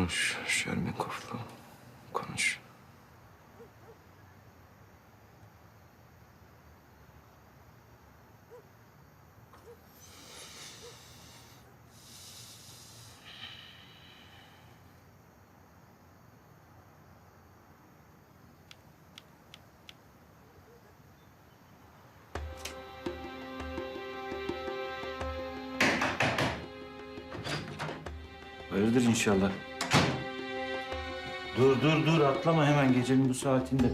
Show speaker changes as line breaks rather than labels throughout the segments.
Konuş Şermekov'la. Konuş.
Hayırdır inşallah. Dur atlama hemen gecenin bu saatinde.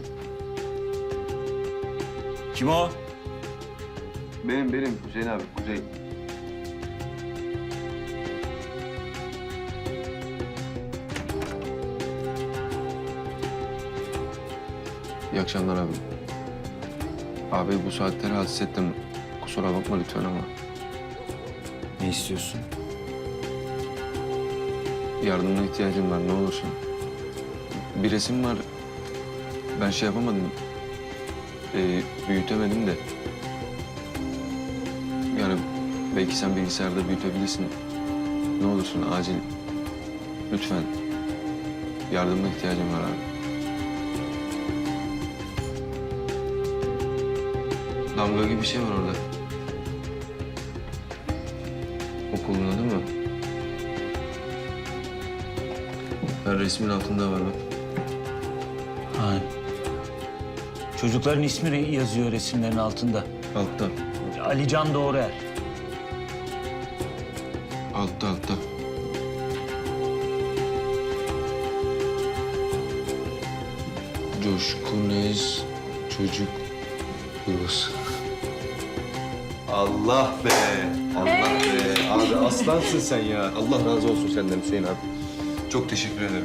Kim o?
Benim Hüseyin abi, Kuzey. İyi akşamlar abi. Abi bu saatte rahatsız ettim. Kusura bakma lütfen ama
Ne istiyorsun?
yardımına ihtiyacım var ne olursun. Bir resim var. Ben şey yapamadım. Büyütemedim de. Yani belki sen bilgisayarda büyütebilirsin. Ne olursun acil. Lütfen. Yardımına ihtiyacım var abi. Damga gibi bir şey var orada. Okulun adı mı? Her resmin altında var bak.
Ha. Çocukların ismi yazıyor resimlerin altında.
Altta.
Alican Doğruer.
Altta. Coşkun Ez çocuk yuvası.
Allah be! Allah be! Abi aslansın sen ya. Allah razı olsun senden Hüseyin abi. Çok teşekkür ederim.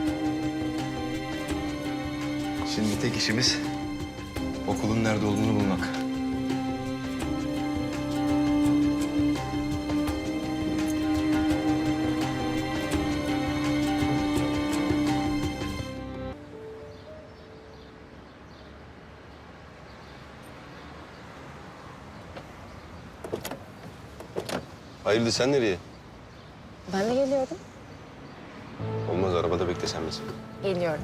Şimdi tek işimiz okulun nerede olduğunu bulmak. Hayırdır sen nereye?
Ben de geliyorum.
Olmaz arabada beklesen bizi.
Geliyorum.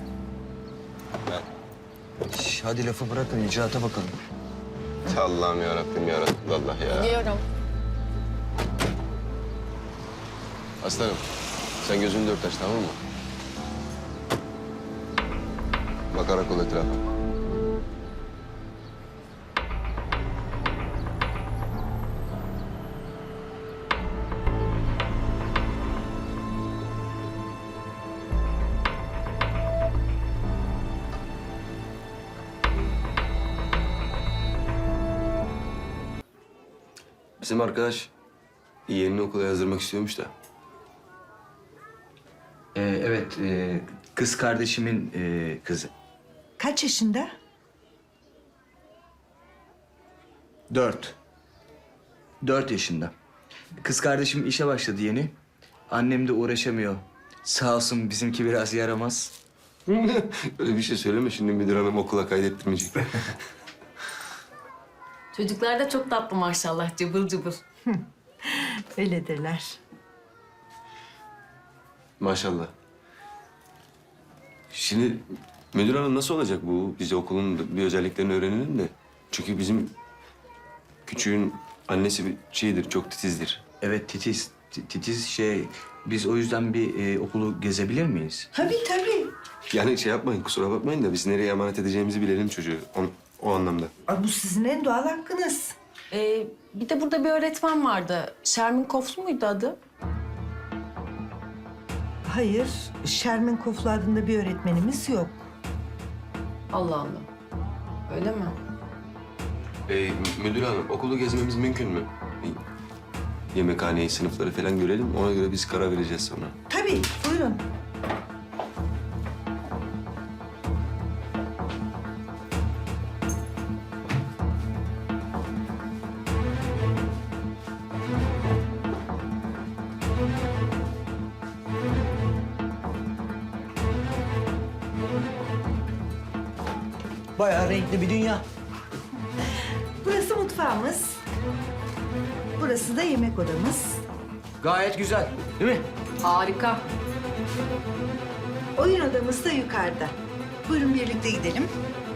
Hadi lafı bırakın, icraata bakalım.
Allah'ım yarabbim Allah ya.
Geliyorum.
Aslanım sen gözünü dört aç tamam mı? Bakarak ol etrafa.
Bizim arkadaş yeğenini okula yazdırmak istiyormuş da.
Evet, kız kardeşimin kızı.
Kaç yaşında?
4 yaşında. Kız kardeşim işe başladı yeni. Annem de uğraşamıyor. Sağ olsun bizimki biraz yaramaz.
Öyle bir şey söyleme şimdi müdür hanım okula kaydettirmeyecek.
Çocuklar da çok tatlı maşallah. Cıbıl cıbıl.
Öyledirler.
Maşallah. Şimdi müdür hanım nasıl olacak bu? Biz okulun bir özelliklerini öğrenelim de. Çünkü bizim küçüğün annesi bir şeydir, çok titizdir.
Evet, titiz. Titiz biz o yüzden bir okulu gezebilir miyiz?
Tabii.
Yani şey yapmayın, kusura bakmayın da biz nereye emanet edeceğimizi bilelim çocuğu. O anlamda.
Ay, bu sizin en doğal hakkınız.
Bir de burada bir öğretmen vardı. Şermin Koflu muydu adı?
Hayır, Şermin Koflu adında bir öğretmenimiz yok.
Allah Allah. Öyle mi?
Müdür hanım, okulu gezmemiz mümkün mü? Yemekhaneyi, sınıfları falan görelim. Ona göre biz karar vereceğiz sonra.
Tabii, buyurun.
Bayağı renkli bir dünya.
Burası mutfağımız. Burası da yemek odamız.
Gayet güzel, değil mi?
Harika.
Oyun odamız da yukarıda. Buyurun birlikte gidelim.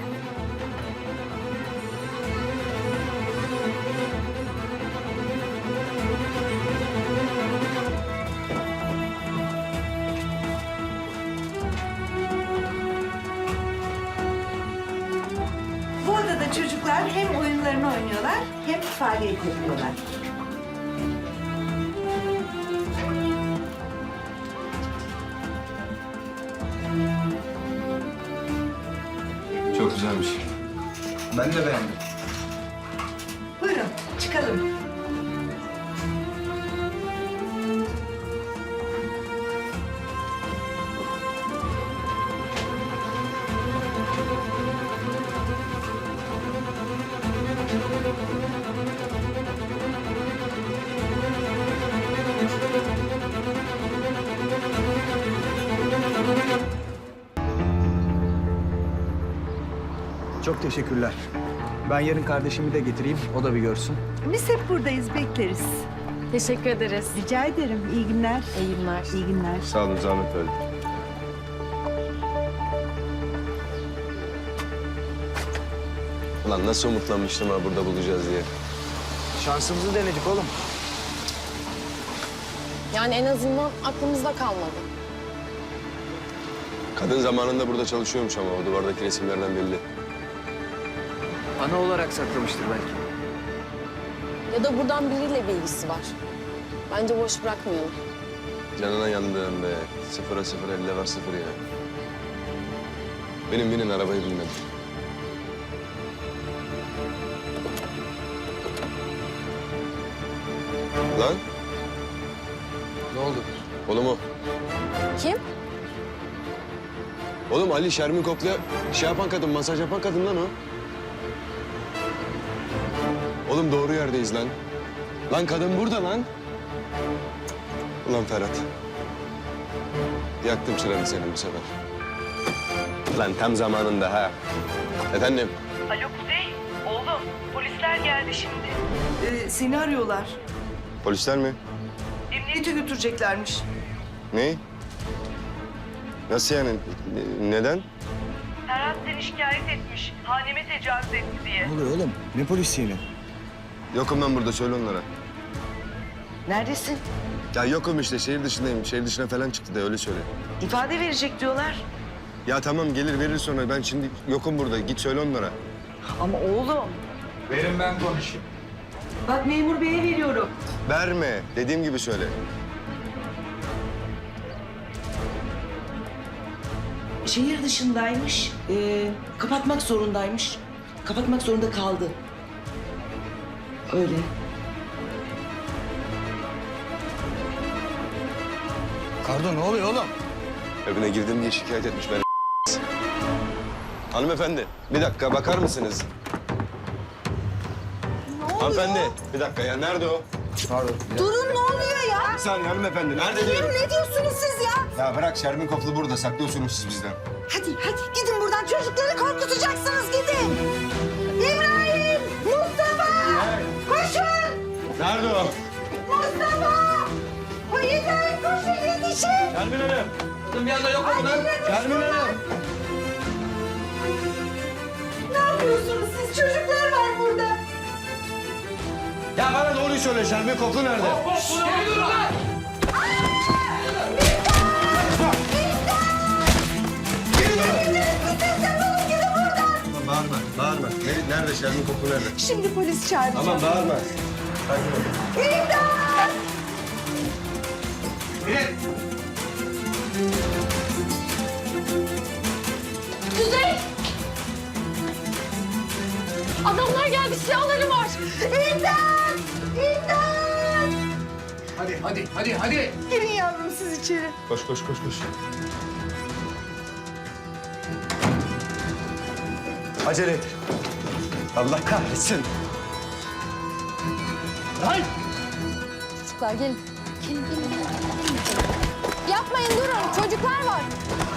Bu odada çocuklar hem oyunlarını oynuyorlar hem faaliyet yapıyorlar.
Çok güzelmiş.
Ben de beğendim.
Buyurun çıkalım.
Çok teşekkürler. Ben yarın kardeşimi de getireyim, o da bir görsün.
Biz hep buradayız, bekleriz.
Teşekkür ederiz.
Rica ederim. İyi günler.
İyi günler.
İyi günler.
Sağ olun, zahmet verdik.
Ulan nasıl umutlanmıştım ha burada bulacağız diye.
Şansımızı denedik oğlum.
Yani en azından aklımızda kalmadı.
Kadın zamanında burada çalışıyormuş ama o duvardaki resimlerden belli.
Ana olarak saklamıştır belki.
Ya da buradan biriyle bir ilgisi var. Bence boş bırakmayalım.
Canına yandım be. 0'a 0, 50 var 0 ya. Benim binin arabayı bilmem. Lan
Ne oldu?
oğlum o.
Kim?
Oğlum Ali Şermin Koklu'ya şey yapan kadın, masaj yapan kadın lan o. Oğlum doğru yerdeyiz lan. Lan kadın burada lan. Ulan Ferhat. Yaktım çıranı senin bu sefer. Lan tam zamanında ha. Efendim?
Alo Kuzey, oğlum polisler geldi şimdi.
Seni arıyorlar.
Polisler mi?
Emniyete götüreceklermiş.
Ne? Nasıl yani? Neden?
Ferhat seni şikayet etmiş, haneme tecavüz etti diye.
Ne oluyor oğlum? Ne polisi yine?
Yokum ben burada, söyle onlara.
Neredesin?
Ya yokum işte, şehir dışındayım. Şehir dışına falan çıktı da öyle söyle.
İfade verecek diyorlar.
Ya tamam gelir verir sonra. Ben şimdi yokum burada. Git söyle onlara.
Ama oğlum.
Verin ben konuşayım.
Bak memur beye veriyorum.
Verme. Dediğim gibi söyle.
Şehir dışındaymış. Kapatmak zorundaymış. Kapatmak zorunda kaldı. Öyle.
Kardo ne oluyor oğlum?
Evine girdim diye şikayet etmiş beni. Hanımefendi, bir dakika bakar mısınız? Hanımefendi, bir dakika ya. Nerede o?
Pardon.
Durun ne oluyor ya?
Bir saniye hanımefendi. Nerede diyorum?
Ne diyorsunuz siz ya?
Ya bırak Şermin Koplu burada. Saklıyorsunuz siz bizden.
Hadi gidin buradan çocukları korkutacaksınız gidin. İbrahim! Mustafa! Koşun!
Nerede o?
Mustafa! O İbrahim koşun yetişin!
Şermin Hanım.
Bir anda yok mu lan?
Şermin Hanım.
Ne yapıyorsunuz siz? Çocuklar var burada.
Ya bana doğruyu söyle. Şermin Koplu nerede? Bağırma, bağırma. Nerede Şermin Koplu nerede?
Şimdi polis çağıracağım.
Tamam bağırma.
İmdat!
Kuzey! Adamlar geldi, silahları var.
İmdat! İmdat!
Hadi.
Girin yavrum siz içeri.
Koş, koş, koş, koş. Acele et. Allah kahretsin.
Çocuklar gelin. Gelin. Yapmayın durun, çocuklar var.